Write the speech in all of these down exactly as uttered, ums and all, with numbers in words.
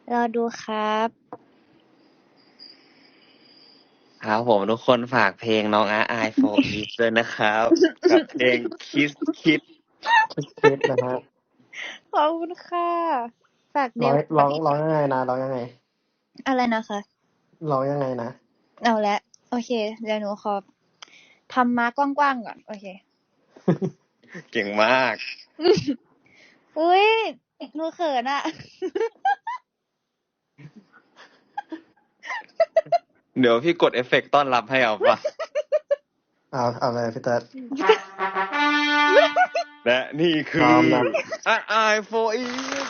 รอดูครับครับผมทุกคนฝากเพลงน้องอาร์ไอโฟอีฟด้วยนะครับ กับเพลงคิสคิดคิดนะฮะขอบคุณค่ะฝากเดร้องวร้องร้องยังไงนะร้องยังไงอะไรนะคะร้องยังไงนะเอาละโอเค เดี๋ยวหนูขอทำม้ากว้างๆก่อน โอเคเก่งมากอุ้ยหนูเขินอะเดี๋ยวพี่กดเอฟเฟกต์ต้อนรับให้เอาปะเอาเอาเลยพี่เติร์ดและนี่พคืร้ออมนะอาร์ไอโฟอีฟ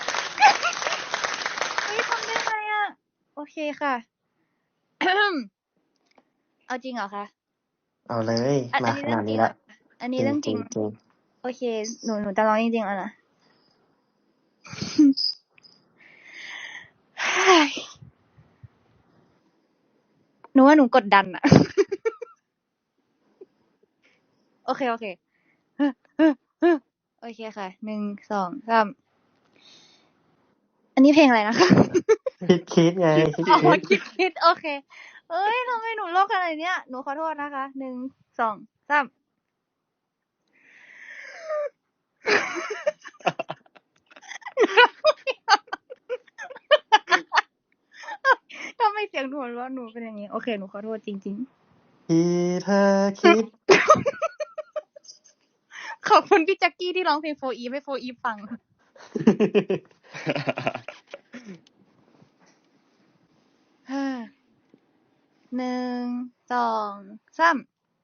เฮ้ยทำได้ไงอะโอเคค่ะ เอาจริงเหรอคะเอาเลยอันมานี้ขเรื่นาองดจรินี้งเหรละออันนี้จริงเรื่องจจริริงงจริงโอเค หนูหนูจะร้องจริงๆแล้วนะ หนูว่าหนูกดดันอะ โอเคโอเค โอเคค่ะ หนึ่ง สอง สาม อันนี้เพลงอะไรนะคะคิดคิดไง คิดอ๋อคิดคิดคิดโอเค เอ้ยทำไมหนูโลกขนาดเนี้ย หนูขอโทษนะคะ หนึ่ง สอง สาม ทำไมเสียงหนูหัวเราะหนูเป็นอย่างนี้ โอเค หนูขอโทษจริงที่เธอคิดๆ ขอบคุณพี่แจ็คกี้ที่ร้องเพลงโฟอีฟให้โฟอีฟฟัง หนึ่ง สอง สาม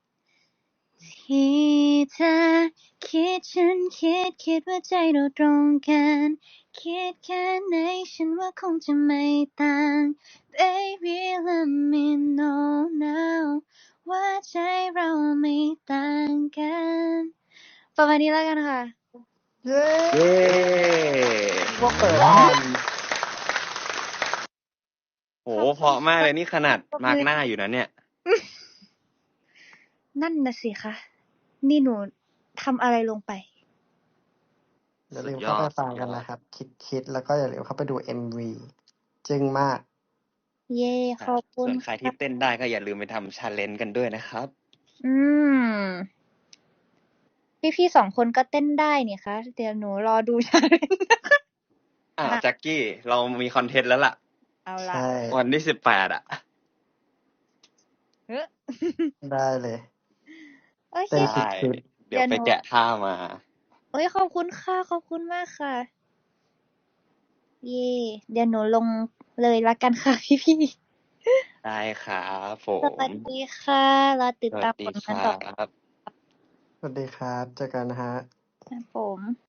ที่เธอคิดฉันคิดคิดว่าใจเราตรงกันคิดแค่ไหนฉันว่าคงจะไม่ต่าง Baby let me know now ว่าใจเราไม่ต่างกันประมาณนี้แล้วกันค่ะเย้เย้ว่าเปิดแทนโหเพราะมากเลยนี่ขนาดมาร์กหน้าอยู่นะเนี่ยนั่นน่ะสิคะนี่หนูทำอะไรลงไปอย่าสุลืดมยเข้าอไปดฟัสุงดยกันอดนะครับ คิดคิดแล้วก็อย่าลืมเข้าไปดู เอ็ม วี จึ้งมากเย่ขครัอบบคุส่ณวนใครที่ค่ะเต้นได้ก็อย่าลืมไปทำ challenge กันด้วยนะครับอืม พี่ๆ สอง คนก็เต้นได้นี่คะ เดี๋ยวหนูรอดู challenge นะคะอ้าวมาแจ็คกี้ เรามีคอนเทนต์แล้วล่ะเอาใชล่ะ่วันที่ สิบแปด อะเฮ้อได้เลยโอเคเต้นได้คิดคิดเดี๋ยวเดี๋ยวไปหนูแกะท่ามาโอ๊ย ขอบคุณค่ะ ขอบคุณมากค่ะ เย่ เดี๋ยวหนูลงเลยแล้วกันค่ะ พี่ ๆได้ครับผสวัสมดีค่ะ รอติดสวัตาสมดีผลคงานรัต่อไปบครับสวัสดีครับ เจอกันนะครับครับผม